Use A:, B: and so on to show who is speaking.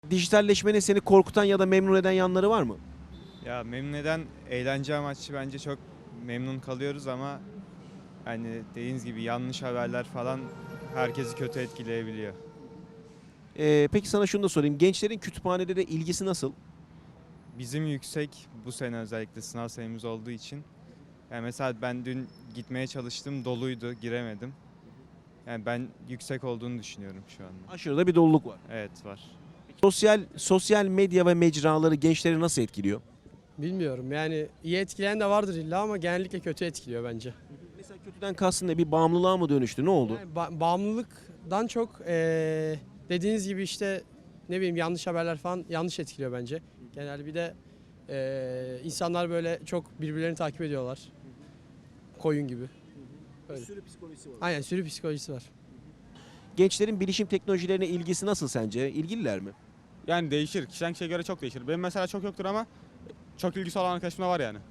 A: Dijitalleşmenin seni korkutan ya da memnun eden yanları var mı?
B: Ya memnun eden eğlence amaçlı bence çok memnun kalıyoruz ama hani dediğiniz gibi yanlış haberler falan herkesi kötü etkileyebiliyor.
A: Peki sana şunu da sorayım. Gençlerin kütüphanelere ilgisi nasıl?
B: Bizim yüksek bu sene özellikle sınav sayımız olduğu için. Yani mesela ben dün gitmeye çalıştım doluydu giremedim. Yani ben yüksek olduğunu düşünüyorum şu anda.
A: Aşırıda bir doluluk var.
B: Evet var.
A: Sosyal medya ve mecraları gençleri nasıl etkiliyor?
C: Bilmiyorum yani iyi etkileyen de vardır illa ama genellikle kötü etkiliyor bence.
A: Mesela kötüden kastın ne? Bir bağımlılığa mı dönüştü? Ne oldu?
C: Yani bağımlılıktan çok dediğiniz gibi işte ne bileyim yanlış haberler falan yanlış etkiliyor bence. Genelde bir de insanlar böyle çok birbirlerini takip ediyorlar. Koyun gibi. Öyle.
A: Sürü psikolojisi var.
C: Aynen sürü psikolojisi var.
A: Gençlerin bilişim teknolojilerine ilgisi nasıl sence? İlgililer mi?
D: Yani değişir. Kişiden kişiye göre çok değişir. Benim mesela çok yoktur ama çok ilgisi olan arkadaşım da var yani.